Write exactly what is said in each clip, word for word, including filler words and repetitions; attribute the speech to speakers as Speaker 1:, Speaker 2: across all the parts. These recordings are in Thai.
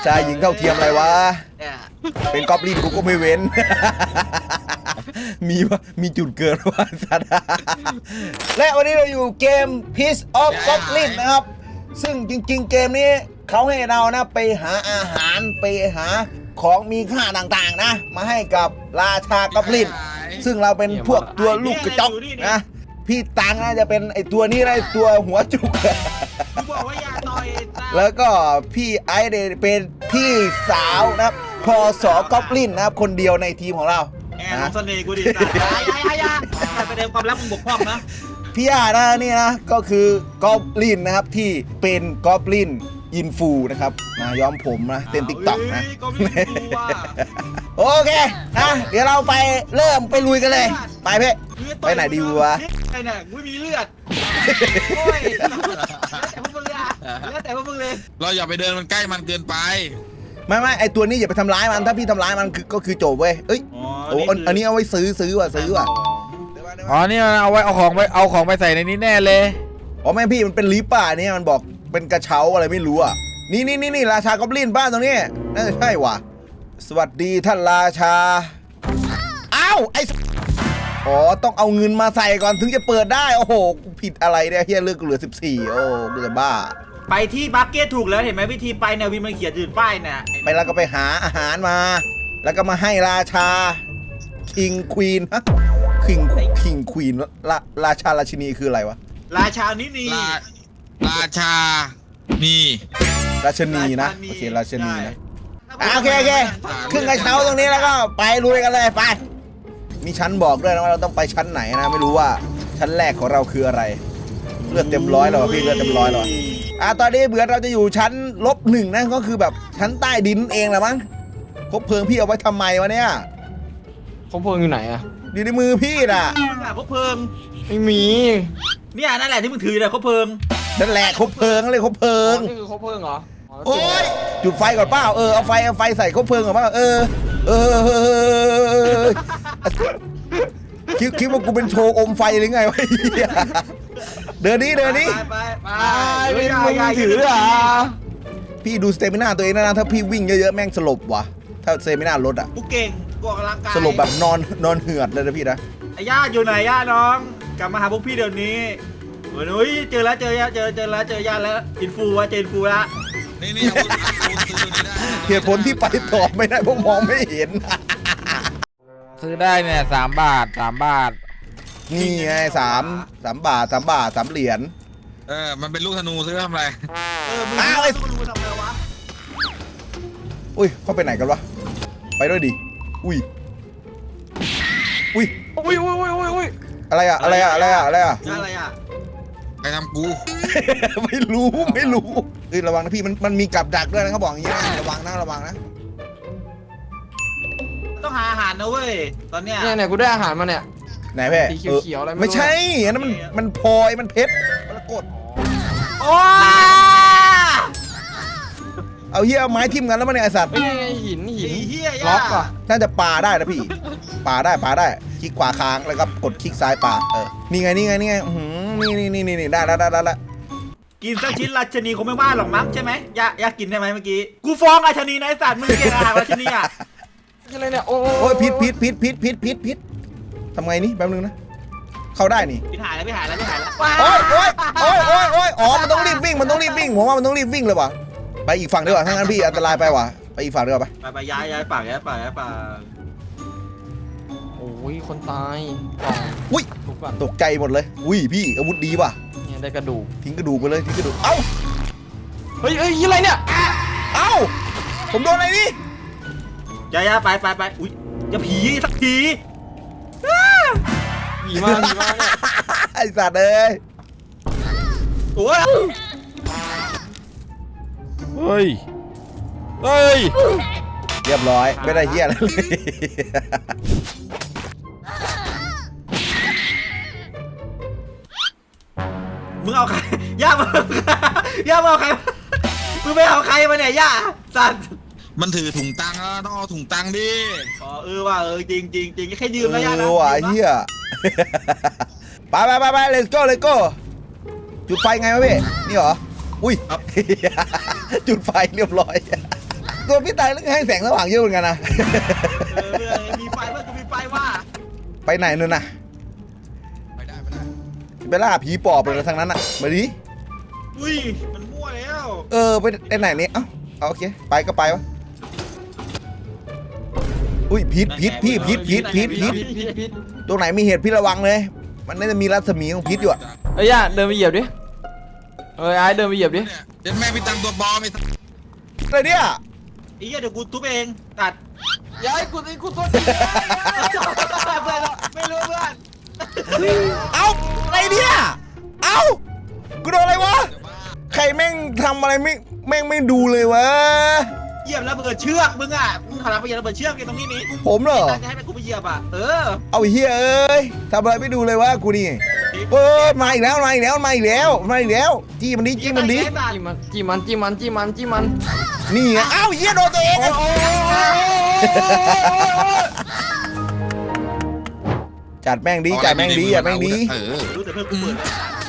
Speaker 1: ชายหญิงเท่าเทียมอะไรวะเป็นกอบลินกูก็ไม่เว้นมีวะมีจุดเกิดว่าสัตว์และวันนี้เราอยู่เกม Piece of Goblin นะครับซึ่งจริงๆเกมนี้เขาให้เรานะไปหาอาหารไปหาของมีค่าต่างๆนะมาให้กับราชากอบลินซึ่งเราเป็นพวกตัวลูกกระจอกนะพี่ตังนะจะเป็นไอตัวนี้ไรตัวหัวจุก
Speaker 2: บอกว่าอย่าต่อย
Speaker 1: แล้วก็พี่ไอเดเป็นพี่สาวนะครับพอสอกอบลินนะครับคนเดียวในทีมของเรา
Speaker 2: แอนเสน่ห์กูดิยายายายาไปเดิมความลับมึงบกพร่องนะ
Speaker 1: พี่อานะนี่นะก็คือกอบลินนะครับที่เป็นกอบลินอินฟูนะครับมาย้อมผมนะเต้นติ๊กต็อกนะโอเคนะเดี๋ยวเราไปเริ่มไปลุยกันเลยไปเพ่ไปไหนดีวะ
Speaker 2: ไปไหนกูมีเลือดโอ้ยแต่พวกมึงเลยแล้วแต่พวกมึงเลย
Speaker 3: เราอย่าไปเดินมันใกล้มันเกินไป
Speaker 1: ไม่ไม่ไอตัวนี้อย่าไปทำร้ายมันถ้าพี่ทำร้ายมันคือก็คือจบเว้ยเอ้ยโอ้อันนี้เอาไว้ซื้อซื้อว่ะซื้อว่ะ
Speaker 4: อ๋อนี่เอาไว้เอาของไปเอาของไปใส่ในนี้แน่เลย
Speaker 1: อ๋อแม่พี่มันเป็นลิปป่ะเนี่ยมันบอกเป็นกระเช้าอะไรไม่รู้อ่ะนี่นี่นี่นี่ราชากอบลินบ้านตรงนี้น่าจะใช่ว่ะสวัสดีท่านราชาอ้าวไออ๋อต้องเอาเงินมาใส่ก่อนถึงจะเปิดได้โอ้โหผิดอะไรเนี่ยเฮียเลือกเหลือสิบสี่โอ้กูจะบ้า
Speaker 2: ไปที่บัคเก็ตถูกแล้วเห็นไหมวิธีไปเนี่ยวิมันเขียนยืนป้ายเนี่ย
Speaker 1: ไปแล้วก็ไปหาอาหารมาแล้วก็มาให้ราชาคิงควีนฮะคิงคิงควีนราราชาราชินีคืออะไรวะ
Speaker 2: ราชานี่นี่
Speaker 3: ราชานี่
Speaker 1: ราชนีนะโอเคราชนีนะโอเคโอเคขึ้นกระเช้าตรงนี้แล้วก็ไปลุยกันเลยไปมีชั้นบอกด้วยนะว่าเราต้องไปชั้นไหนนะไม่รู้ว่าชั้นแรกของเราคืออะไรเลือดเต็มร้อยแล้วพี่เลือดเต็มร้อยแล้วอ่ะตอนนี้เบื่อเราจะอยู่ชั้นลบหนึ่งนะก็คือแบบชั้นใต้ดินเองแหละมั้งคบเพลิงพี่เอาไว้ทำไมวะเนี่ย
Speaker 4: คบเพลิงอยู่ไหนอะ
Speaker 1: อยู่ในมือพี่น่ะ
Speaker 2: คบเพลิง
Speaker 4: ไม่มี
Speaker 2: เนี่ยนั่นแหละที่มึงถือเลยคบเพลิง
Speaker 1: นั่นแหละคบเพลิงเลยคบเพลิง
Speaker 4: นี่คือคบเพลิงเหรอ
Speaker 1: โอ้ยจุดไฟก่อนเปล่าเออเอาไฟเอาไฟใส่คบเพลิงก่อนเปล่าเออเออคิดคิดว่ากูเป็นโชว์อมไฟหรือไงวะเดินนี้เดินนี้
Speaker 2: ไปไป
Speaker 4: ไม่มึงถืออ่ะ
Speaker 1: พี่ดูสเตมิน่าตัวเองนะถ้าพี่วิ่งเยอะๆแม่งสลบว่ะถ้าสเตมิน่าลดอ่ะ
Speaker 2: กูเก่งกูออกกำลังกาย
Speaker 1: สลบแบบนอนนอนเหือดเลยนะพี่นะ
Speaker 2: ไอ้ย่าอยู่ไหนย่าน้องกลับมาหาพวกพี่เดี๋ยวนี้เฮ้ยเจอแล้วเจอย่าเจอเจอแล้วเจอย่าแล้วอินฟูวะเจนฟูละ
Speaker 3: นี่นี่
Speaker 1: เหตุผลที่ไปต่อไม่ได้เพราะมองไม่เห็น
Speaker 4: ซื้อได้เนี่ยสามบาทสามบาท
Speaker 1: นี่ไงสามสามบาทสามบาทสามเหรียญ
Speaker 3: เออมันเป็นลูกธนูซื้อทำอะไร
Speaker 2: เออมึงเอาไอ้ธนูทำอะไรวะ
Speaker 1: อุ้ยเขาไปไหนกันวะไปด้วยดิอุ้ยอุ้ย
Speaker 4: อุ้ยอุ้ยอุ้ยอุ้ยอุ้ย
Speaker 1: อะไรอะอะไรอะอะไรอะอะไรอะ
Speaker 2: อะไรอะ
Speaker 3: ใครทำกู
Speaker 1: ไม่รู้ไม่รู้เฮ้ยระวังนะพี่มันมันมีกับดักด้วยนะเขาบอกอย่างนี้นะระวังนะระวังนะ
Speaker 2: ต้องหาอาหารนะเว้ยตอนเนี้ย
Speaker 4: เนี่ยเนี่ยกูได้อาหารมาเนี่ย
Speaker 1: ไหนแพ่
Speaker 4: สีเขียวๆอะไร
Speaker 1: ไม่ใช่อันนั้นมันมันพลอยมันเพชรแล้วกด
Speaker 2: โอ้
Speaker 1: เอาเหี้ยไม้ทิ่มกันแล้วมันเนี่ยไอสัตว์
Speaker 4: หินหิน
Speaker 2: ล็อกอ่ะ
Speaker 1: น่าจะปาได้นะพี่ปาได้ปาได้คลิกขวาค้างแล้วก็กดคลิกซ้ายปาเออนี่ไงนี่ไงนี่ไงนี่นี่นี่นี่ได้แล้วได้แล้ว
Speaker 2: กินสักชิ้นราชนีคงไม่ว่าหรอกมั้งใช่ไหมอยากอยากกินได้ไหมเมื่อกี้กูฟ้องราชนีนายสัตว์มึงเก่งอาหารราชนีอ่ะ
Speaker 4: อะไรเนี่ยโอ้
Speaker 1: ยพิษพิษพิษพิษพิษพิษพิษทำไงนี่แป๊บนึงนะเข้าได้นี่
Speaker 2: พี่หายแล้วพี่หายแล้วพี่หายแล้ว
Speaker 1: โอ้ยโอ้ยโอ้ยโอ้ยโอ้ยอ๋อมันต้องรีบวิ่งมันต้องรีบวิ่งผมว่ามันต้องรีบวิ่งเลยว่ะไปอีกฝั่งดีกว่าถ้างั้นพี่อันตรายไปว่ะไปอีกฝั่งดีกว่าไป
Speaker 2: ไปไปย้ายย้ายปากย้ายปากย้ายปาก
Speaker 4: โอ้ยคนตาย
Speaker 1: อุ้ยตกใจหมดเลยอุ้ยพี่อาวุธดีว่ะ
Speaker 4: เนี่ยได้กระดูก
Speaker 1: ทิ้งกระดูกไปเลยทิ้งกระดูกเอ้า
Speaker 4: เฮ้ยเฮ้ยอะไรเนี่ย
Speaker 1: เอ้าผมโดนอะไรนี่
Speaker 2: ย้ายย้ายไปไปไปอุ้ยจะผีสักที
Speaker 4: ผีมาผีมาเนี่ย
Speaker 1: ไอ้สัตว์เอ้ย
Speaker 2: โอ้ย
Speaker 4: เฮ้ยเฮ้ย
Speaker 1: เรียบร้อยไม่ได้เหี้ยอะไรเลย
Speaker 2: มึงเอาใครย่ามึงย่ามึงเอาใครมึงไม่เอาใครมาเนี่ยย่าสัตว์
Speaker 3: มันถือถุงตังค์แล้วต้องเอาถุงตังค์ดิ
Speaker 2: อ๋อเออว่ะเออจริงจริงจริงแค่ยืมนะย่านะ
Speaker 1: เออว่ะเหี้ยไปไปไปไป let's go let's go จุดไฟไงวะพี่นี่เหรออุ้ยจุดไฟเรียบร้อยตัวพี่ตายแล้วให้แสงสว่างเยอะเหมือนกันนะ
Speaker 2: เออเพื่อนมีไฟเพื่อนกูมีไฟว่า
Speaker 1: ไปไหนนู่นน่ะ
Speaker 3: ไปได้ไปได้
Speaker 1: ไปล่าผีปอบเลยทั้งนั้นอ่ะมาดิ
Speaker 2: อุ้ยมันมั่วแล้ว
Speaker 1: เออไปไปไหนนี่เอ้าเอาโอเคไปก็ไปวะอุ้ยพิษพิษพี่พิษพิษพิษพิษ
Speaker 2: พิษพิษพิษ
Speaker 1: ตัวไหนมีเห็ดพิษระวังเลย มันน่าจะมีรัศมีของพิษอยู่อะ
Speaker 4: เอ้ยย่าเดินไปเหยียบดิเอ้ยไอ้เดินไปเหยียบดิ
Speaker 3: เนี่ยเดี๋ยวแม่พี่ตังตัวปลอมไอ้
Speaker 1: อะไรเนี่ย
Speaker 2: ไอ้เหี้ยเดี๋ยวกูทุบเองตัด
Speaker 4: ย้ายกูตีกูตัว
Speaker 2: เพื่อนไม่รู้เพื่อน
Speaker 1: เอ้าอะไรเนี่ยเอ้ากูโดนอะไรวะใครแม่งทำอะไรไม่แม่งไม่ดูเลยวะ
Speaker 2: เหยียบแล้วเบิดเชือกมึงอ่ะมึงขนาดไปเหยียบระเบิดเชือกกันตรงนี้นี่
Speaker 1: ผมเหรอ
Speaker 2: ตั้งใจให้เป็นกูไปเหยียบอ่ะเออ
Speaker 1: เอาไอ้เฮียเอ้ยทำอะไรไม่ดูเลยวะกูนี่เปิดมาอีกแล้วมาอีกแล้วมาอีกแล้วมาอีกแล้วจี้มันดิจี้มันดิ
Speaker 4: จิ้มมันจิ้มมันจิ้มมันจิ้มมันจิ้มมัน
Speaker 1: นี่ไงเอ้าเฮียโดนตัวเองอะจัดแม่งดีจัดแม่งดีจัดแม่งดี
Speaker 3: เออ
Speaker 2: รู้แต่เพื่อนกูเปิด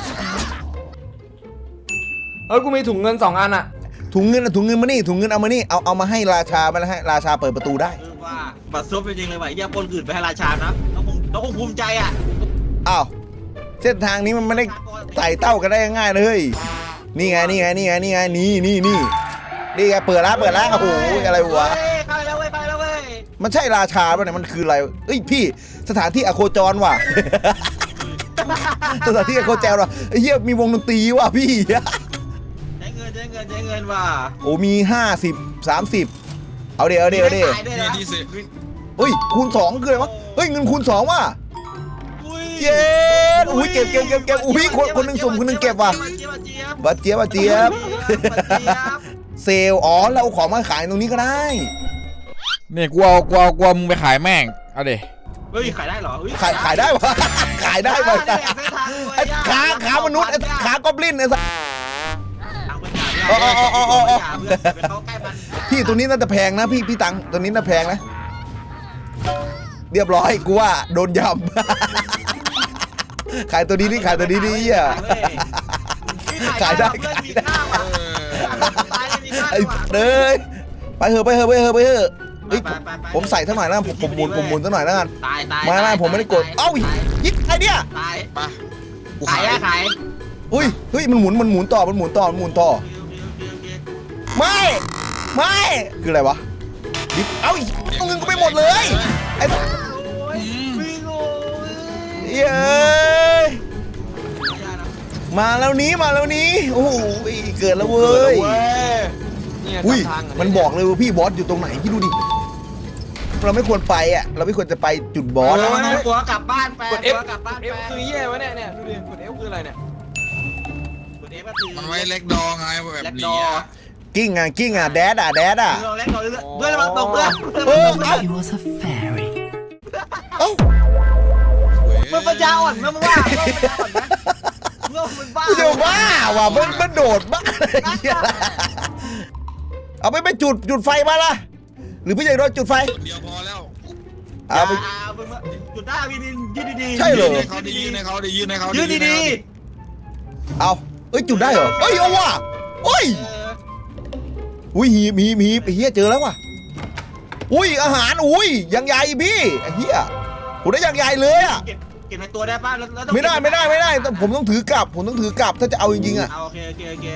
Speaker 4: เอ้ยกูมีถุงเงินสองอันอะ
Speaker 1: ถุงเงินอะถุงเงินมานี่ถุงเงินเอามานี่เอาเอามาให้ราชามาแล้วให้ราชาเปิดประตูได้
Speaker 2: คือว่าบัตรซบจริงๆเลยว่ะไอ้เหี้ยปนอื่นไปให้ราชานะเราคงเราคงภูมิใจอ่ะ
Speaker 1: อ้าวเส้นทางนี้มันไม่ได้ไต่เต้ากันได้ง่ายๆนะเฮ้ยนี่ไงนี่ไงนี่ไงนี่ไงนี่นี่นี่นี่ไงเปิดแล้วเปิดแล้วโอ้โหอะไรวะ
Speaker 2: เฮ้ยเข้าไปแล้วเว้ยเข้าไปแล้วเว้ย
Speaker 1: มันใช่ราชาป่ะเนี่ยมันคืออะไรเอ้ยพี่สถานที่อโคจรว่ะ สถานที่อโคจรว่ะไอ้เหี้ยมีวงดนตรีว่ะพี่
Speaker 2: ใช้เงินใช้เงินใช้เงินว่ะ
Speaker 1: โอ้มีห้าสิบสามสิบเอาเดี๋ยวเอาเดี๋ยวเอาดี๋ยว
Speaker 2: ขายด้วย
Speaker 3: เนี่ย
Speaker 2: นะ
Speaker 3: ที่สิ
Speaker 1: เฮ้ยคูณสองคืออะไรวะเฮ้ยเงินคูณสองว่ะ
Speaker 2: อุ้ย
Speaker 1: เย้อุ้ยเก็บเก็บเก็บเก็บอุ้ยคนคนหนึ่งสุ่มคนหนึ่งเก็บว่ะ
Speaker 2: เจี๊ยบเจี๊ยบ
Speaker 1: บัดเจี๊ยบบัดเจี๊ยบ
Speaker 2: เจี๊ยบเจี๊ยบ
Speaker 1: เซลล์อ๋อเราเอาของมาขายตรงนี้ก็ได้
Speaker 4: เนี่ยกูเอากูเอากูเอามึงไปขายแม่งเอาดิ
Speaker 2: เฮ้ยขายได้เหรอเฮ้
Speaker 1: ขายขายได้ปะ ขายได้ปะไอ้ขาขามนุษย์ไอ้ขากอบลินไอ้สัส อ๋ออ๋ออ๋ออ๋ออ๋อ
Speaker 2: เขาใกล้มัน
Speaker 1: พี่ตัวนี้น่าจะแพงนะพี่พี่ตังตัวนี้น่าแพงนะเรียบร้อยกูว่าโดนยำ ขายตัวนี้ดิขายตัวนี้ดิอ่ะ ขายได้
Speaker 2: เพื่อน
Speaker 1: ขาย
Speaker 2: มี
Speaker 1: ได้
Speaker 2: ค่าว่ะตายเลยมีค่า
Speaker 1: ไอ้
Speaker 2: ว่ะ
Speaker 1: เด้ยไปเถอะไปเถอะไปเถอะไปเถอะเฮ้ย
Speaker 2: ไปไปไป
Speaker 1: ผมใส่สักหน่อยแล้วกันผมผมหมุนผมหมุนสักหน่อยแล้วกัน
Speaker 2: ตายตาย
Speaker 1: ไม่ไม่ผมไม่ได้กดเอ้ายิงไอ้เนี่ย
Speaker 2: ตาย
Speaker 3: ไปกู
Speaker 2: ขา
Speaker 3: ขาย ย
Speaker 2: อะขาย
Speaker 1: อุ้ยเฮ้ยมันหมุนมันหมุนต่อมันหมุนต่อมันหมุนต่อ
Speaker 2: โอเคโอเคโอเคโอเค
Speaker 1: ไม่ไม่คืออะไรวะดิเอ้าเอาเงินกูไปหมดเลยไอ้
Speaker 2: โอ้ยวิ่งโอ้ย
Speaker 1: เย้ย
Speaker 2: อย่านะ
Speaker 1: มาแล้วนี้มาแล้วนี้โอ้โหเกิดแล้วเว้ย
Speaker 4: เนี่ย
Speaker 1: อุ้ย
Speaker 4: ทางะ
Speaker 1: มันบอกเลยว่าพี่บอสอยู่ตรงไหนพี่ดูดิเราไม่ควรไปอ่ะเราไม่ควรจะไปจุดบอส
Speaker 2: เอ
Speaker 1: อะ
Speaker 2: อน้องตัวกลับบ้านไป
Speaker 4: กด F
Speaker 2: ตัวกลับบ้าน
Speaker 4: เอฟคือเหี้ยวะเนี่ยเนี่ยดูดิกด F คืออะไรเนี่ย
Speaker 2: กด F ก็คือ
Speaker 3: มันไว้เล็กดองไงแบบ
Speaker 2: เล็ก
Speaker 3: นี้
Speaker 2: ดอ
Speaker 3: อะ
Speaker 1: กิ้งอ่ะกิ้งอ่ะแดดอ่ะแดดอ่ะ
Speaker 2: เล็กดอเพื่อนมาตกเพื่อน
Speaker 1: เออเอ้า
Speaker 5: He was a fairy.
Speaker 1: เอ้า
Speaker 2: มึงปัญญาอ่อนมึงว่ามึงปัญญาอ่อนนะมึงมึงบ้า
Speaker 1: กูจะบ้าว่ะมันมันโดดบ้าอะไรเงี้ยเอาไปไปจุดจุดไฟมาละหรือพี่ใหญ่โดนจุดไฟ
Speaker 3: เดียวพอแล้ว
Speaker 1: เอาไป
Speaker 2: มึงจุดได้วินยืนดีๆ
Speaker 1: ใช่เหรอ
Speaker 3: ยืนให้เขาดียืนให้เขาดียืนให้เขา
Speaker 2: ยืนดี
Speaker 1: เอาเอ้ยจุดได้เหรอเอ้ยเอาว่ะโอ้ย
Speaker 2: ๆเออ
Speaker 1: อุ้ยหีบหีบหีบไอ้เฮียเจอแล้วว่ะอุ้ยอาหารอุ้ยยังใหญ่พี่ไอ้เฮียผมได้ยังใหญ่เลยอ่ะ
Speaker 2: เก็บเก็บในตัวได้ป่ะแล้วแล้วต้อง
Speaker 1: ไม่ได้ไม่ได้ไม่ได้ต้องผมต้องถือกลับ ผมต้องถือกลับถ้าจะเอาจริงๆอ่ะ
Speaker 2: เอาโอเคโอเคโอเคน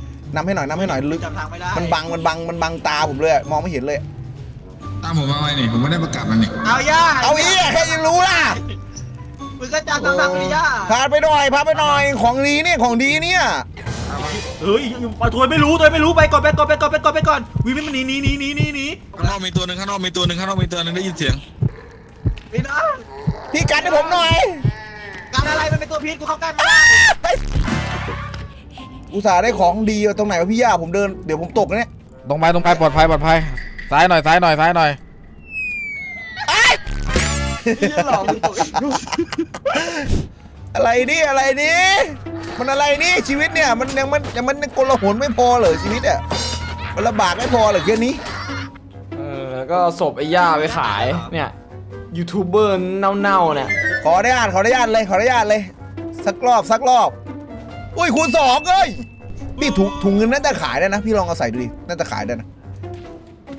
Speaker 1: ำให้หน่อยนำให้หน่อยลึก
Speaker 2: จำทางไม่ได้
Speaker 1: มันบังมันบังมันบังตาผมเลยอะมองไม่เห็นเลย
Speaker 3: ตามผมมาไว้นี่ผมไม่ได้ประกาศมันนี่
Speaker 2: เอาย่า
Speaker 1: เอาอีแค่ยังรู้ล่ะ
Speaker 2: มึงก็จำทางทางไม่ได้ย่า
Speaker 1: พาไปหน่อยพาไปหน่อยของดีเนี่ยของดีเนี่ย
Speaker 2: เฮ้ยตัวไม่รู้ตัวไม่รู้ไปก่อนไปก่อนไปก่อนไปก่อนไปก่อนวิวิมันหนีหนีหนีหนีหนีหนี
Speaker 3: ข้างนอกมีตัวหนึ่งข้างนอกมีตัวหนึ่งข้างนอกมีตัวหนึ่งได้ยินเสียง
Speaker 2: พี่น้อง
Speaker 1: พี่กันให้ผมหน่อย
Speaker 2: การอะไรมันเป็นตัวพิษกูเข้าใกล้ไม่ได้
Speaker 1: อุตส่าห์ได้ของดีตรงไหนวะพี่ย่าผมเดินเดี๋ยวผมตกนะเนี่ย
Speaker 4: ตรงไปตรงไปปลอดภัยปลอดภัยซ้ายหน่อยซ้ายหน่อยซ้ายหน่อย
Speaker 1: อะไรนี่อะไรนี่มันอะไรนี่ชีวิตเนี่ยมันยังมันยังมันกลหนไม่พอเหรอชีวิตอ่ะมันลำบากไม่พอเหรอแค่นี้
Speaker 4: เออแล้วก็เอาศพไอ้ย่าไปขายเนี่ยยูทูบเบอร์เน่าๆเนี่ย
Speaker 1: ขออนุญาตขออนุญาตเลยขออนุญาตเลย สักรอบสักรอบอุ้ยคูณสองเอ้ยพี่ถุงถุงเงินน่าจะขายได้นะพี่ลองเอาใส่ดูดิน่าจะขายได้นะ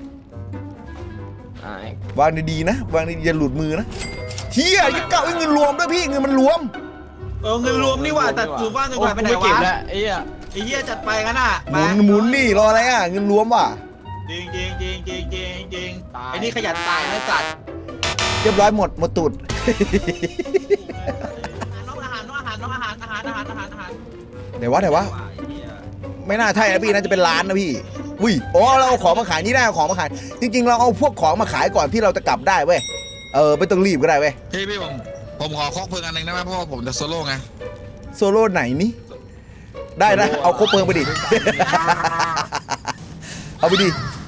Speaker 4: ไอ้
Speaker 1: วางดีๆนะวางดีๆอย่าหลุดมือนะเฮียยิ่งเก่าเงินรวมด้วยพี่เงินมันรวม
Speaker 2: เออเงินรวมนี่หว่าแต่อยู่บ้านจนกว่าไปไหน
Speaker 4: โอ้กูม่เก็บ
Speaker 2: วะ
Speaker 4: แล้วไอ้เหี้ย
Speaker 2: ไอ้เหี้ยจัดไปกันอ่ะ
Speaker 1: หมุนหมุนนี่รออะไรอ่ะเงินรวมว่ะ
Speaker 2: จริงจริงจริงจริงจริงจริงไอ้นี่ขยันตายนะสัตว์
Speaker 1: เรียบร้อยหมดหมดตูด
Speaker 2: น้องอาหารน้องอาหารน้องอาหารอาหารอาหารอาหารอาหาร
Speaker 1: เดี๋ยววะเดี๋ยววะไม่น่าใช่นะพี่น่าจะเป็นร้านนะพี่อุ้ยอ๋อเราเอาของมาขายนี่ได้เอาของมาขายจริงๆเราเอาพวกของมาขายก่อนที่เราจะกลับได้เว้ยเออไม่ต้องรีบก็ได้เว้ย
Speaker 3: พี่พี่ผมผมขอคอกเพลิงอันหนึ่งได้ไหมเพราะว่าผมจะโซโล่ไง
Speaker 1: โซโล่ไหนนี่ได้นะเอาครบเพลิงไปดิ เอาไปดิ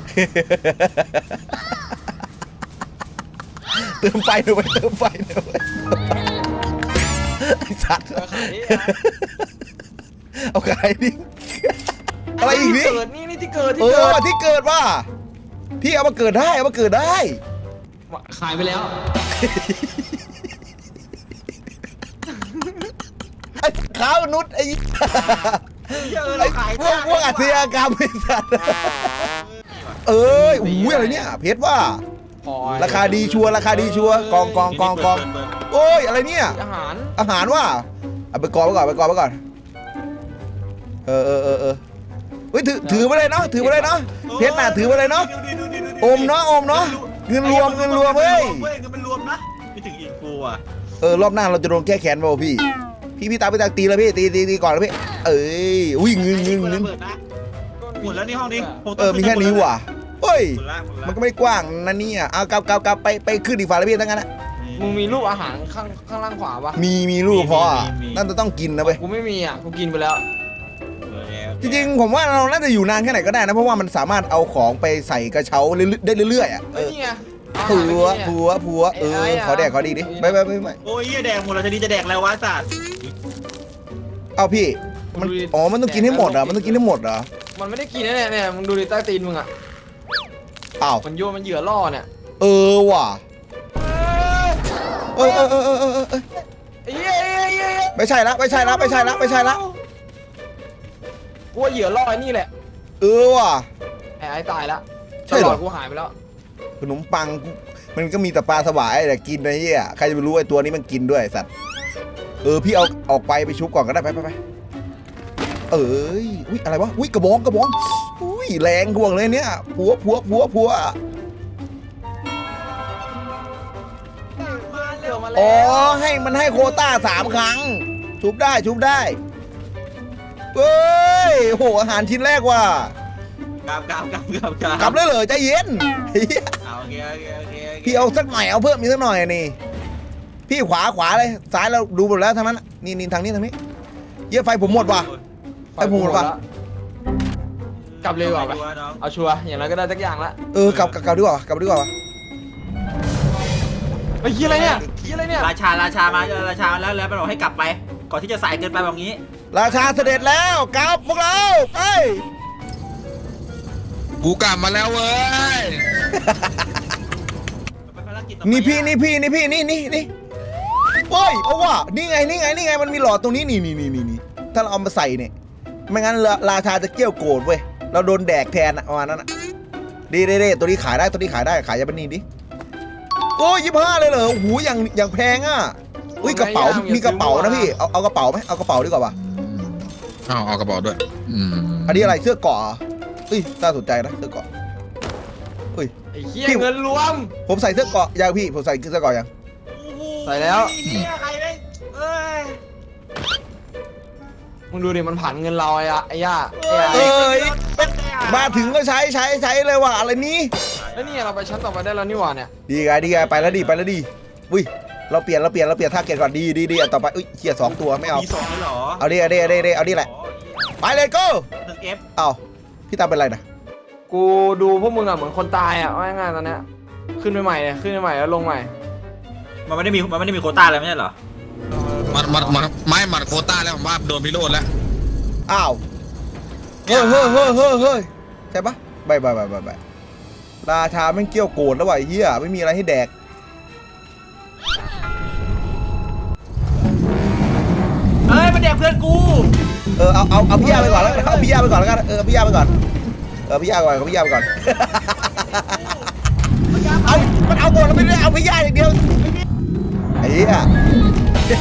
Speaker 1: เติมไฟหน่อยเว้ยเติมไฟหน่อยเว้ยไอ้สัตว์
Speaker 4: เอาขายดิ
Speaker 1: เอาขายดิอะไรอีกนี่
Speaker 4: ที่เกิดนี่นี่ที่เกิดที่
Speaker 1: เอ
Speaker 4: เกิ
Speaker 1: อ
Speaker 4: ด
Speaker 1: ว่ะที่เกิดว่ะพี่เอามาเกิดได้เอามาเกิดได้
Speaker 4: ขายไปแล้ว
Speaker 1: ไอ้ขาวนุษย์ไอ้
Speaker 2: เยอะ
Speaker 1: ไอ้
Speaker 2: เราขาย
Speaker 1: พวกพวกอาชญากรรมไอ้สัตว์เอ้ยอุ้ยอะไรเนี่ยเพชรว่า
Speaker 4: พอ
Speaker 1: ราคาดีชัวร์ราคาดีชัวร์กองกองกองกองโอ้ยอะไรเนี่ย
Speaker 4: อาหาร
Speaker 1: อาหารว่ะเอาไปกองไว้ก่อนไปกองไว้ก่อนเออเออเออเออเฮ้ยถือถือไปเลยเนาะถือไปเลยเนาะเพชรน่ะถือไปเลยเนาะอมเนาะอมเนาะเงินรวมเงินรวมเฮ้ย
Speaker 2: เงินมันรวมนะไม่ถึงอินฟูอ่ะ
Speaker 1: เออรอบหน้าเราจะโดนแก้แค้นเปล่าพี่พี่พี่ตามไปตามตีแล้วพี่ตีตีตีก่อนแล้วพี่เอ้ยอุ้ยเงินเงินเงิน
Speaker 2: หมดแล้วนี่ห้องนี้
Speaker 1: เออมีแค่นี้ว่ะเฮ้ย
Speaker 2: หมดละหมดละ
Speaker 1: มันก็ไม่ได้กว้างนะเนี่ยเอากลับกลับกลับไปไปขึ้นอีกฝั่งแล้วพี่ทั้งนั้นนะ
Speaker 4: มึงมีรูปอาหารข้างข้างล่างขวาปะ
Speaker 1: มีมีรูปพออ่ะนั่นจะต้องกินนะเว้ย
Speaker 4: กูไม่มีอ่ะกูกินไปแล้ว
Speaker 1: จริงๆผมว่าเราน่าจะอยู่นานแค่ไหนก็ได้นะเพราะว่ามันสามารถเอาของไปใส่กระเช้าเรื่อยๆได้เรื่อยๆอ่ะเอ
Speaker 4: เอ้ย
Speaker 1: อ
Speaker 4: นี่ไง
Speaker 1: ผัวผัวผัวเออขอแดกขอดีดิไม่ไม่ไม่ไม่
Speaker 2: โอ้ยแดงหมดแล้วจะดีจะแดกแล้ววะสัตว์
Speaker 1: เอาพี่มันอ๋อมันต้องกินให้หมดเหรอมันต้องกินให้หมดเหรอ
Speaker 4: มันไม่ได้กินนะเนี่ยเนี่ยมึงดูดิใต้ตีนมึงอ่ะ
Speaker 1: อ้าว
Speaker 4: มันโยนมันเหยื่อล่อเนี่ย
Speaker 1: เออว่ะเออเออเออเออเออเออ
Speaker 4: ไอ้เหี้ยไอ้เหี้ยไอ้เหี้ย
Speaker 1: ไม่ใช่ละไม่ใช่ละไม่ใช่ละไม่ใช่ละ
Speaker 4: กูว่าเหยื่อล่อไอ้นี่แหละ
Speaker 1: เออว่ะ
Speaker 4: ไอ้ไอ้ตายละ
Speaker 1: ใช่เหรอ
Speaker 4: ตลอดกูหายไปแล้ว
Speaker 1: ขนมปังกูมันก็มีแต่ปลาสวายแต่กินไอ้เหี้ยใครจะไปรู้ไอ้ตัวนี้มันกินด้วยไอ้สัตว์เออพี่เอาออกไปไปชุบก่อนก็ได้ไปไปไปเอ้ยอุ้ยอะไรวะอุ้ยกระบองกระบองอุ้ยแรงห่วงเลยเนี่ยผัวผัวผัวผัว
Speaker 4: เหยื่อมา
Speaker 1: อ๋
Speaker 4: แล้
Speaker 1: อ
Speaker 4: ว
Speaker 1: ให้มันให้โควต้าสามครั้งชุบได้ชุบได้เฮ้ยโหอาหารชิ้นแรกว่ะ
Speaker 2: กลับกลับกลับกลับกลับ
Speaker 1: กลับเลยเหรอใจเย็นเหี้ย
Speaker 2: โอเคโอเคโอเค
Speaker 1: พี่เอาสักหน่อยเอาเพิ่มอีกสักหน่อยนี่พี่ขวาขวาเลยซ้ายเราดูหมดแล้วทั้งนั้นน่ะนี่นี่ทางนี้ทางนี้เยี่ยไฟผมหมดว่ะไฟผมหมดว่ะ
Speaker 4: กลับเลยดีกว่าไป
Speaker 2: น้อง
Speaker 4: เอาชัวร์อย่างไรก็ได้สักอย่างละ
Speaker 1: เออกลับกลับกลับดีกว่ากลับดีกว่าวะ
Speaker 4: ไอ้เหี้ยอะไรเนี่ยเหี้ยอะไรเนี่ย
Speaker 2: ราชาราชามาราชาแล้วแล้วไปบอกให้กลับไปก่อนที่จะสายเกินไปแบบนี้
Speaker 1: ราชาเสด็จแล้วกลับพวกเราไป
Speaker 3: กูกลับมาแล้วเว้ย
Speaker 1: นี่พี่นี่พี่นี่พี่นี่นี่นี่เฮ้ยเอาว่ะนี่ไงนี่ไงนี่ไงมันมีหลอดตรงนี้นี่นี่นี่นี่นี่ถ้าเราเอามาใส่เนี่ยไม่งั้นราชาจะเกี้ยวโกรธเว้ยเราโดนแดกแทนอะประมาณนั้นอะดีดีดีตัวนี้ขายได้ตัวนี้ขายได้ขายยาบันนี่ดิโอ้ยยี่ห้าเลยเหรอโอ้โหอย่างอย่างแพงอ่ะอุ้ยกระเป๋ามีกระเป๋านะพี่เอาเอากระเป๋าไหมเอากระเป๋าดีกว่าป่ะ
Speaker 3: เอาเอากระเป๋าด้วยอืม
Speaker 1: อันนี้อะไรเสื้อเกราะเหรอเอ้ยน่าสนใจนะเสื้อเกราะเฮ้ย
Speaker 4: ไอ้เหี้ยเงินรวม
Speaker 1: ผมใส่เสื้อเกราะยังพี่ผมใส่เสื้อเกราะยัง
Speaker 4: ใส่แล้ว
Speaker 2: ใครได้เอ้ย
Speaker 4: มึงดูดิมันผ่านเงินเราไอ้อะไอ้ย่าไอ้
Speaker 1: เอ้
Speaker 4: ย่าย
Speaker 1: มาถึงก็ใช้ใช้ใช้เลยว่ะอะไรนี้
Speaker 4: แล้วนี่เราไปชั้นต่อไปได้แล้วนี่หว่าเนี่ย
Speaker 1: ดีไงดีไงไปแล้วดีไปแล้วดีอุ้ยเราเปลี่ยนเราเปลี่ยนเราเปลี่ยนท่าเกตก่อนดีดีดีอ่ะต่อไปอุ้ยเขี่ยสองตัวไม่เอา
Speaker 2: มีสองเลยเหรอ
Speaker 1: เอาดิเอาดิเอาดิเอาดิเอาดิแหละไปเลยโก้
Speaker 2: หนึ่งเอฟ
Speaker 1: เอาพี่ตามเป็นไรนะ
Speaker 4: กูดูพวกมึงอะเหมือนคนตายอะว่าง่ายๆตอนเนี้ยขึ้นไปใหม่เนี่ยขึ้นไปใหม่แล้วลงใหม่
Speaker 2: มันไม่ได้มีมันไม่ได้มีโควต้าอะไรไม่ใช่เหรอ
Speaker 3: มัดมัดมัดไม้มัดโควต้าแล้วผมว่าโดนพิโรธแล้ว
Speaker 1: อ้าวเฮ้ยเฮ้ยเฮ้ยเฮ้ยเฮ้ยใช่ปะบายบายบายบายบายราชาแม่งเกี้ยวโกรธแล้วว่ะไอ้เฮียไม่มีอะไรให้แดก
Speaker 2: เฮ้ยมันแดกเพื่อนกู
Speaker 1: เออเอาเอาเอาพี่ยาไปก่อนแล้วกันเอาพี่ยาไปก่อนแล้วกันเออเอาพี่ยาไปก่อนเออพี่ยาไปก่อนเอาพี่ยาไปก่อนเอา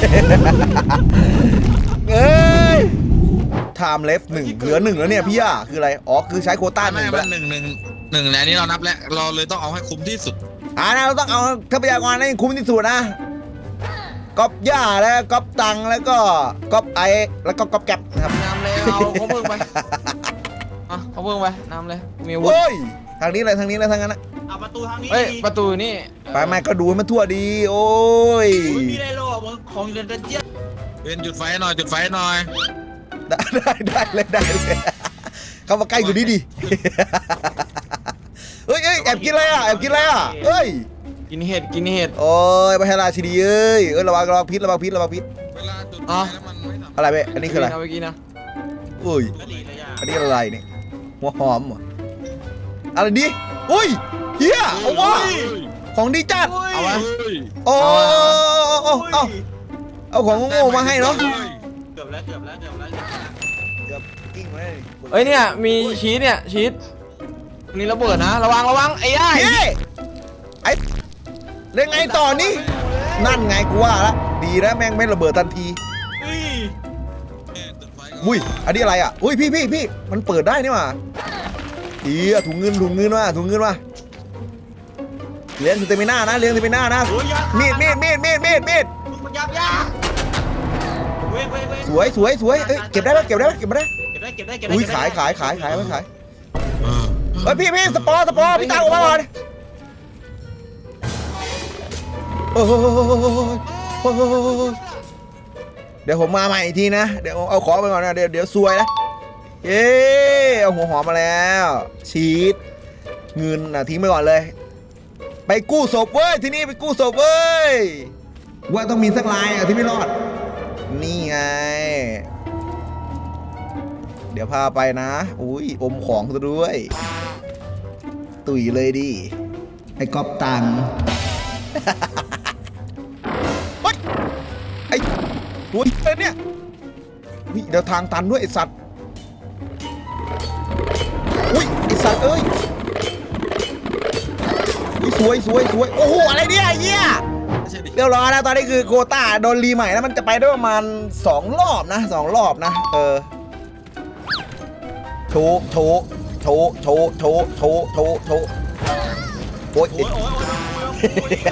Speaker 1: เอ้ย time left หนึ่งเหลือหนึ่งแล้วเนี่ยพี่ย่าคืออะไรอ๋อคือใช้โควต้าห
Speaker 3: ไม่
Speaker 1: นึ่งไป
Speaker 3: ไม่
Speaker 1: แล้ว
Speaker 3: หนึ่งหนึ่งหนึ่งแล้วนี่เรานับแล้วเราเลยต้องเอาให้คุ้มที่สุด
Speaker 1: อ่านะเราต้องเอาทรัพยากรให้คุ้มที่สุดนะก๊อปย่าแล้วก๊อปตังแล้วก็ก๊อปไอแล้วก็ก๊อปแก๊ปนะครับ
Speaker 4: นำเลยเอาเขาเพิ่งไปอ่ะเขาเพิ่งไปนำเลยมีอาวุธ
Speaker 1: โอ้ยทางนี้เลยทางนี้เลยทางนั้นนะ
Speaker 2: เอาประตูทางนี้
Speaker 4: เฮ้ยประตูนี่
Speaker 1: ไปไม่ก็ดูให้มันทั่วดี โอ้ย
Speaker 2: ไม่มีอะไรหรอกมึงของเรียนเจี๊ยบ
Speaker 3: เป็นจุดไฟหน่อยจุดไฟหน่อย
Speaker 1: ได้ได้ได้เลยได้เลยเข้ามาใกล้กูดิดิเฮ้ยเฮ้ยแอบกินอะไรอ่ะแอบกินอะไรอ่ะเฮ้ย
Speaker 4: กินเห็ดกินเห็ด
Speaker 1: โอ้ยพระราชินีเอ้ยเอ้ยระวังระวังพิษระวังพิษระวังพิษ
Speaker 3: เวลาจุดไฟแล้วมันไม่ทำ
Speaker 1: อะไรเว้ยอันนี้คืออะไร
Speaker 4: เาไปกินนะ
Speaker 1: อุ้ย
Speaker 2: กะหรี่เลยอ่ะ
Speaker 1: อันนี้อะไรเนี่ยหัวหอมเหรออะไรดิอุ้ยเฮียเอาวะของดีจัด
Speaker 4: เอาไว้
Speaker 1: โอ้เอาเอาเอาของโง่ๆมาให้เนาะ
Speaker 2: เกือบแล้วเกือบแล้วเกือบแล้ว
Speaker 1: เกือบกิ้งเลย
Speaker 4: เอ้ยเนี่ยมีชีสเนี่ยชีสตรงนี้ระเบิดนะระวังระวังไอ้ย่า
Speaker 1: เฮ้ยไอ้เล่นไงต่อนี่นั่นไงกูว่าละดีนะแม่งไม่ระเบิดทันที
Speaker 2: อุ้ย
Speaker 3: จุดไฟ
Speaker 1: อุ้ยอันนี้อะไรอ่ะอุ้ยพี่พี่พี่มันเปิดได้นี่หว่าดีอะถุงเงินถุงเงินว่ะถุงเงินว่ะเลี้ยงสเตมิน่านะเลี้ยงสเตมิน่านะ
Speaker 2: โอ้ยยัด
Speaker 1: มีดมีดมีดมีดมีดมีด
Speaker 2: มึงมันยับยับเว้ยเว้ยเว้ย
Speaker 1: สวยสวยสวยเอ้ยเก็บได้ไหมเก็บได้ไหมเก็บไม่ได้
Speaker 2: เก็บได้เก็บได้เก็บได้
Speaker 1: อุ้ยขายขายขายขายไม่ขาย
Speaker 3: เออ
Speaker 1: เฮ้ยพี่พี่สปอร์สปอร์พี่ตามออกมาก่อนโอ้โหเดี๋ยวผมมาใหม่อีกทีนะเดี๋ยวเอาของไปก่อนนะเดี๋ยวเดี๋ยวซวยนะเย้เอาหัวหอมมาแล้วชีสเงินนะทิ้งไปก่อนเลย ไปกู้ศพเว้ยที่นี่ไปกู้ศพเว้ยว่าต้องมีสักลายอ่ะที่ไม่รอดนี่ไงเดี๋ยวพาไปนะอุ้ยอมของซะด้วย ตุ๋ยเลยดิไอ้ก๊อปตัง เฮ้ยไอ้ตัวเอ้ยเนี่ยนี่เดี๋ยวทางตันด้วยไอ้สัตว์อุ้ยไอ้สัตว์เอ้ยอุ๊ยสวยสวยสวยโอ้โหอะไรเนี่ยไอ้เหี้ย
Speaker 3: ไม่ใช่ดิ
Speaker 1: เรียบร้อยนะตอนนี้คือโควต้าโดนรีใหม่แล้วมันจะไปได้ประมาณสองรอบนะสองรอบนะเออโชว์โชว์โชว์โชว์โชว์โชว์โชว์โชว์โอ๊ย
Speaker 2: โอ้ยโอ้ยโอ้ยโอ้ย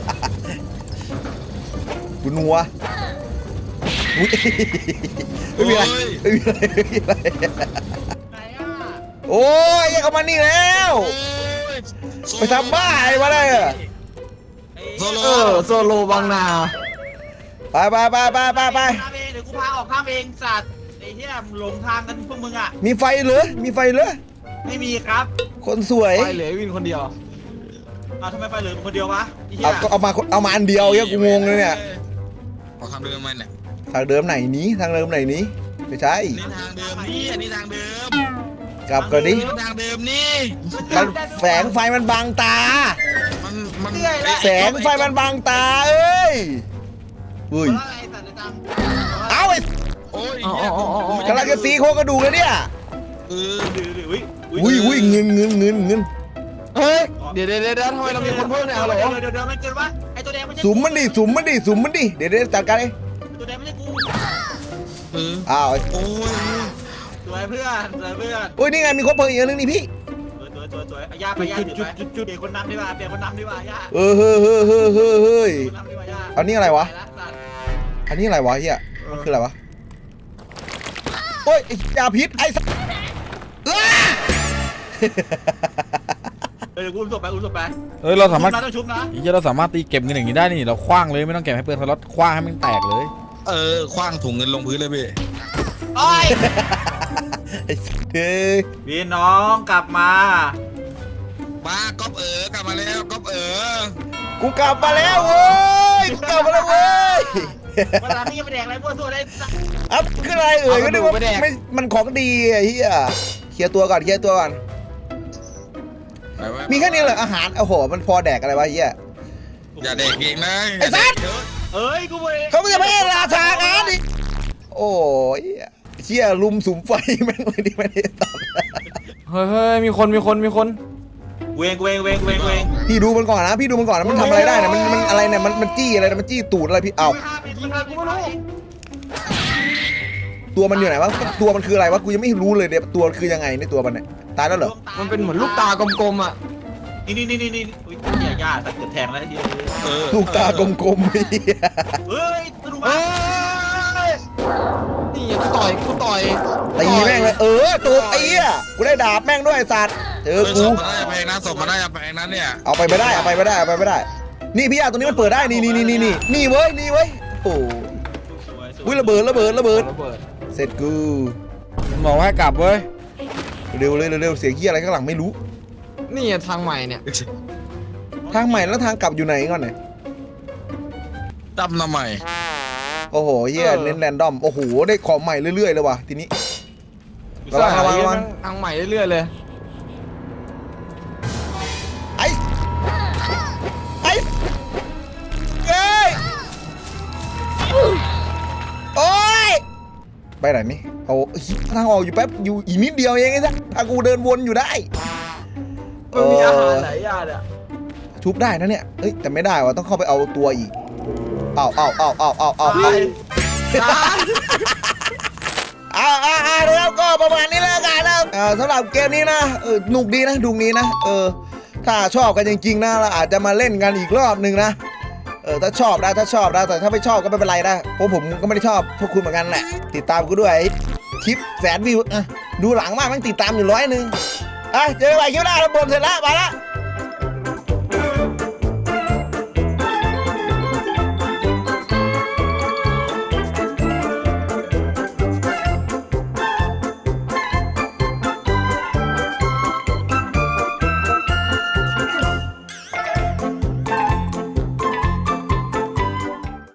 Speaker 1: กูนัวอุ๊ยไม่มีอะไรไม่มีอะไรไม่มีอะไร
Speaker 2: ไหนอ่ะ
Speaker 1: โอ้ยยังเอามานี่แล้ว
Speaker 3: โอ้ย
Speaker 1: ไปทำบ้าอะไรมาได้อะ
Speaker 3: โซโล
Speaker 4: เออโซโลบางนา
Speaker 1: ไปไปไปไปไปไป
Speaker 2: ข้ามเองเดี๋ยวกูพาออกข้ามเองสัตว์ไอ้เหี้ยหลงทางกันพวกมึงอ่ะ
Speaker 1: มีไฟเหรอมีไฟเหรอ
Speaker 2: ไม่มีครับ
Speaker 1: คนสวย
Speaker 4: ไปเหลือวินคนเดียว
Speaker 2: เอาทำไมไปเหลือมึงคนเดียววะไอ้เหี้
Speaker 1: เอา
Speaker 2: ย
Speaker 1: ก็เอามาเอามาอันเดียวเนี่ยกูงงเลยเนี่ย
Speaker 3: ขอคำเดิมมาเนี่ย
Speaker 1: ทางเดิมไหนนี้ทางเดิมไหนนี้ไม่ใช่
Speaker 3: นี่ทางเดิมนี่อันนี้ทางเดิม
Speaker 1: กลับก่อนดิ
Speaker 3: นี่ทางเดิมนี่
Speaker 1: มันแสงไฟมันบังตา
Speaker 3: มันมัน
Speaker 1: แสงไฟมันบังตาเอ้ยอุ้ย
Speaker 2: อะไรสัตว์ในตัง
Speaker 1: เอาไอ้
Speaker 3: โอ้ย
Speaker 4: อ๋ออ๋ออ๋ออ๋อ
Speaker 1: กำลังจะตีโครงกระดูกเลยเนี่ย
Speaker 3: เออ
Speaker 2: ดื้อดื้ออุ้ย
Speaker 1: อุ้ยอุ้ยเงินเงินเงินเงิน
Speaker 4: เฮ้ยเดี๋ยวเดี๋ยวเดี๋ยวทำไมเรามีคนเพิ่มเนี่ยฮัลโหล
Speaker 2: เดี๋ยวเดี๋ยวเดี๋ยวมันเกินวะไอ้ตัวแดงไม่ใช่
Speaker 1: สุมมันดิสุมมันดิสุมมันดิเดี๋ยวเดี๋ยวจัดการเอง
Speaker 2: ตัวแดงไม่ใช่กู
Speaker 3: เออ
Speaker 1: อ้าว
Speaker 3: โอ้ย
Speaker 2: สวยเพื่อนสวยเพื่อน
Speaker 1: อุ้ยนี่ไงมีครบเพลิงอีกอันนึงนี่พี่
Speaker 2: สวยสวยสวยสวยเอาย่าไปย่าจุดจุดจุดจุดเปลี่ยนคนนำดีกว่าเปลี่ยนคนนำดีกว่าย่า
Speaker 1: เออเฮ้ยเฮ้ยเฮ้ยเฮ้ยเฮ้ย
Speaker 2: คนนำดีกว่าย่า
Speaker 1: อันนี้อะไรวะ
Speaker 2: ปละสัตว์
Speaker 1: อันนี้อะไรวะเฮียมันคืออะไรวะโอ้ยไอ้ยาพิษไอ้สัสอ้า
Speaker 2: เออกูอุ้มศพไปอุ้มศพไป
Speaker 5: เอ้ยเราสามารถ
Speaker 2: ชุบนะต้องชุบนะ
Speaker 5: อีกเราสามารถตีเก็บเงินอย่างนี้ได้นี่เราคว้างเลยไม่ต้องเก็บให้เพื่อนสล็อตคว้างให้มันแตกเลย
Speaker 3: เออคว้างถุงเงินลงพื้นเลยพี่
Speaker 2: โอ้ย
Speaker 1: ไอ้สัสเอ้ย
Speaker 2: พี่น้องกลับมา
Speaker 3: มาก๊อปเอ๋อกลับมาแล้วก๊อปเอ๋อ
Speaker 1: กูกลับมาแล้วเว้ยกูกลับมาแล้วเว้ย
Speaker 2: วันหลังนี่ยังไปแดกอะไรพวกตัวได้สัตว์
Speaker 1: อัพคืออะไรเอ่ยก็นึกว่าไม่มันของดีไอ้เหี้ยเคลียร์ตัวก่อนเคลียร์ตัวก่อน
Speaker 3: ไปไว้
Speaker 1: มีแค่นี้เลยอาหารโอ้โหมันพอแดกอะไรวะไอ้เหี้ย
Speaker 3: อย่าเด็กเองนะ
Speaker 1: ไอ้สัส
Speaker 2: เอ้ยกูไป
Speaker 1: เขาไม่จะไม่ให้ราชาการดิโอ้ยเชี่ยลุมสุมไฟแม่งเลยดิไม่ได้ตัด
Speaker 4: เฮ้ยเฮ้ยมีคนมีคนมีคน
Speaker 2: เวงเวงเวงเวงเวง
Speaker 1: พี่ดูมันก่อนนะพี่ดูมันก่อนนะมันทำอะไรได้เนี่ยมันมันอะไรเนี่ยมันมันจี้อะไรนะมันจี้ตูดอะไรพี่เอาตัวมันอยู่ไหนวะตัวมันคืออะไรวะกูยังไม่รู้เลยเนี่ยตัวคือยังไงในตัวมันเนี่ยตายแล้วเหรอ
Speaker 4: มันเป็นเหมือนลูกตากลมๆอ่ะ
Speaker 2: นี่นี่นี่นี่นี่อุ้ยเนี่ยย่าสักเกือบแทงแล้วที
Speaker 3: เออ
Speaker 1: ลูกตากลมๆเหี้ย
Speaker 2: เฮ้ยสนุก
Speaker 4: เอ้
Speaker 2: มาก
Speaker 4: ยนี่กูต่อยกูต่อย
Speaker 1: ตีแม่งเลยเออตูดไอ้เหี้ยกูได้ดาบแม่งด้วยไอ้สัตว์เจอ
Speaker 3: เออ
Speaker 1: กู
Speaker 3: ศพมาได้เพลงนั้นศพมาได้เพลงนั้นเนี่ย
Speaker 1: เอาไปไม่ได้เอาไปไม่ได้เอาไปไม่ได้ นี่พี่อาตรงนี้มันเปิดได้นี่นี่นี่นี่นี่นี่เว้ยนี่เว้ยโอ้
Speaker 2: สวยสวย
Speaker 1: อุ้ยระเบิดระเบิดระเบิด
Speaker 4: ระเบิด
Speaker 1: เสร็จกู
Speaker 5: มันบอกว่าให้กลับเว้ย
Speaker 1: เร็วเลยเร็วๆเสียงเหี้ยอะไรข้างหลังไม่รู้
Speaker 4: นี่ทางใหม่เนี่ย
Speaker 1: ทางใหม่แล้วทางกลับอยู่ไหนก่อนเนี่ย
Speaker 3: จำทำไม
Speaker 1: โอ้โหเหี้ยเน้นแรนดอมโอ้โหได้ของใหม่เรื่อยๆเลยว่ะทีนี้ระวังระวังระวัง
Speaker 4: ทางใหม่เรื่อยๆเลย
Speaker 1: ไอ้ไอ้เอ้ยโอ้ยไปไหนนี่เอาทางออกอยู่แป๊บอยู่อีกนิดเดียวเองไอ้สัสถ้ากูเดินวนอยู่ได้
Speaker 4: มันมีอาหารหลายอย่างอ่ะ
Speaker 1: ทุบได้นะเนี่ยเอ้ยแต่ไม่ได้ว่ะต้องเข้าไปเอาตัวอีกเอาเอาเอาเอาเอาเอา
Speaker 4: ไป
Speaker 1: เอาเอาเอาเอาแล้วก็ประมาณนี้แล้วกันนะเออสำหรับเกมนี้นะเออหนุกดีนะดูนี้นะเออถ้าชอบกันจริงๆนะเราอาจจะมาเล่นกันอีกรอบหนึ่งนะเออถ้าชอบนะถ้าชอบนะแต่ถ้าไม่ชอบก็ไม่เป็นไรนะเพราะผมก็ไม่ได้ชอบพวกคุณเหมือนกันแหละติดตามกูด้วยคลิปแสนวิวอ่ะดูหลังมากมันติดตามอยู่ร้อยหนึ่งอ่ะเจอกันใหม่คลิปหน้าเราบ่นเสร็จแล้วไปละ